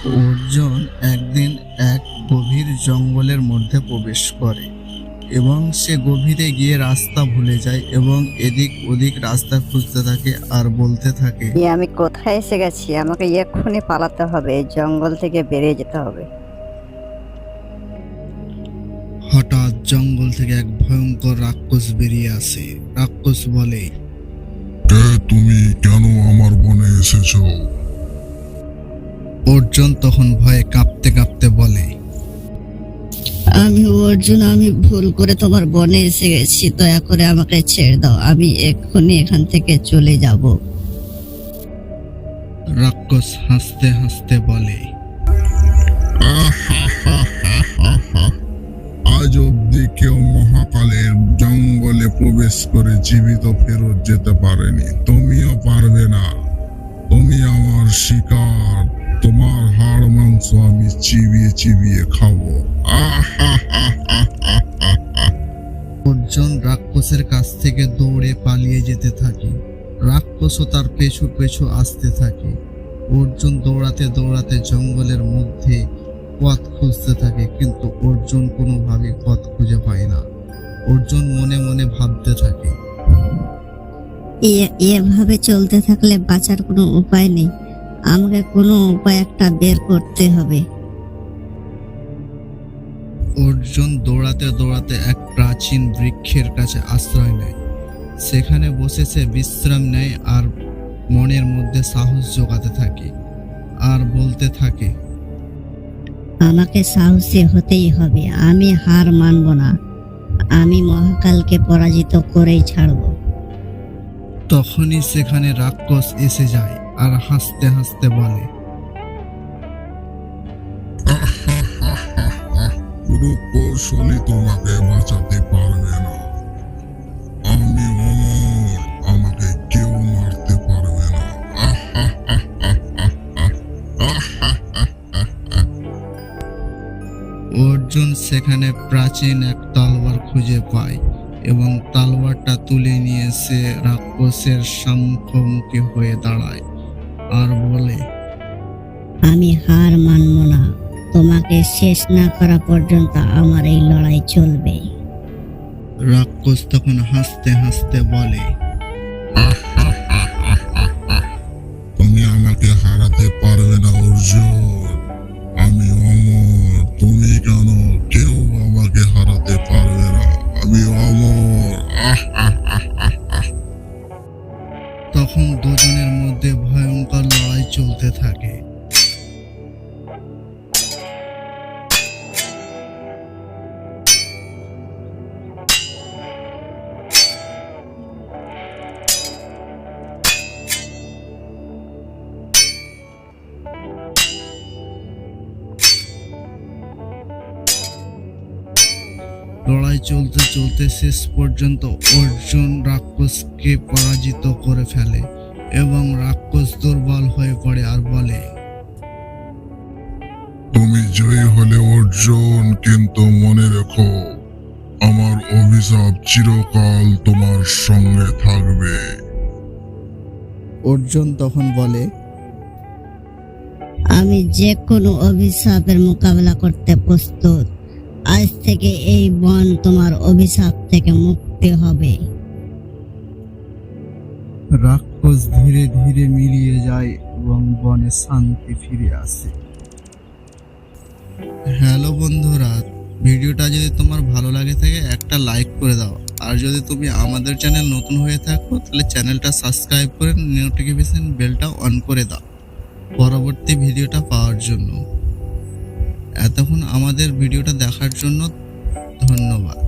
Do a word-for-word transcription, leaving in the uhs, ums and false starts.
অর্জুন একদিন এক গভীর জঙ্গলের মধ্যে প্রবেশ করে এবং সে গভীরে গিয়ে রাস্তা ভুলে যায় এবং এদিক ওদিক রাস্তা খুঁজতে থাকে আর বলতে থাকে, এ আমি কোথায় এসে গেছি? আমাকে এক্ষুনি পালাতে হবে, এই জঙ্গল থেকে বেরিয়ে যেতে হবে। হঠাৎ জঙ্গল থেকে এক ভয়ঙ্কর রাক্ষস বেরিয়ে আসে। রাক্ষস বলে, কে তুমি? কেন আমার বনে এসেছো? অর্জুন তখন ভয়ে কাঁপতে কাঁপতে বলে, আমি অর্জুন, আমি ভুল করে তোমার বনে এসে গেছি, দয়া করে আমাকে ছেড়ে দাও, আমি এক্ষুনি এখান থেকে চলে যাব। রাক্ষস হাসতে হাসতে বলে, আজ অব্দি কেউ মহাকালের জঙ্গলে প্রবেশ করে জীবিত ফেরত যেতে পারেনি, তুমিও পারবে না। তুমি আমার শিকার, তোমার হাড় মাংস আমি চিবিয়ে চিবিয়ে খাবো। অর্জুন রাক্ষসের কাছ থেকে দৌড়ে পালিয়ে যেতে থাকে। রাক্ষসও তার পেছু পেছু আসতে থাকে। অর্জুন দৌড়াতে দৌড়াতে জঙ্গলের মধ্যে পথ খুঁজতে থাকে, কিন্তু অর্জুন কোনোভাবে পথ খুঁজে পায় না। অর্জুন মনে মনে ভাবতে থাকে, এ- এভাবে চলতে থাকলে বাঁচার কোনো উপায় নেই, আমাকে কোনো উপায় একটা বের করতে হবে। অর্জুন দৌড়াতে দৌড়াতে এক প্রাচীন বৃক্ষের কাছে আশ্রয় নেয়। সেখানে বসে সে বিশ্রাম নেয় আর মনের মধ্যে সাহস জোগাতে থাকে আর বলতে থাকে, আমাকে সাহসী হতেই হবে, আমি হার মানব না, আমি মহাকালকে পরাজিত করেই ছাড়ব। তখনই সেখানে রাক্ষস এসে যায় আর হাসতে হাসতে বলে, কোনো কৌশলই তোমাকে বাঁচাতে পারবে না। আমি অমর, আমাকে কেউ মারতে পারবে না। অর্জুন সেখানে প্রাচীন এক তলোয়ার খুঁজে পায় এবং তলোয়ারটা তুলে নিয়ে সে রাক্ষসের সম্মুখোমুখি হয়ে দাঁড়ায় আর বলে, আমি হার মানব না, তোমাকে শেষ না করা পর্যন্ত আমার এই লড়াই চলবে। রাক্ষস তখন হাসতে হাসতে বলে, তুমি আমাকে হারাতে পারবে না অর্জুন, আমি অমর, তুমি কেন? কেউ আমাকে হারাতে পারবে না, আমি অমর। তখন দুজনের মধ্যে ভয়ঙ্কর লড়াই চলতে থাকে। লড়াই চলতে চলতে শেষ পর্যন্ত অর্জুন রাক্ষসকে পরাজিত করে ফেলে এবং রাক্ষস দুর্বল হয়ে পড়ে আর বলে, তুমি জয়ী হলে অর্জুন, কিন্তু মনে রেখো আমার অভিশাপ চিরকাল তোমার সঙ্গে থাকবে। অর্জুন তখন বলে, আমি যে কোনো অভিশাপের মোকাবেলা করতে প্রস্তুত, আজ থেকে এই বন তোমার অভিশাপ থেকে মুক্তি হবে। রাক্ষস ধীরে ধীরে মিলিয়ে যায় এবং বনে শান্তি ফিরে আসে। হ্যালো বন্ধুরা, ভিডিওটা যদি তোমার ভালো লাগে থাকে একটা লাইক করে দাও, আর যদি তুমি আমাদের চ্যানেল নতুন হয়ে থাকো তাহলে চ্যানেলটা সাবস্ক্রাইব করে নোটিফিকেশন বেলটা অন করে দাও পরবর্তী ভিডিওটা পাওয়ার জন্য। এতক্ষণ আমাদের ভিডিওটা দেখার জন্য ধন্যবাদ।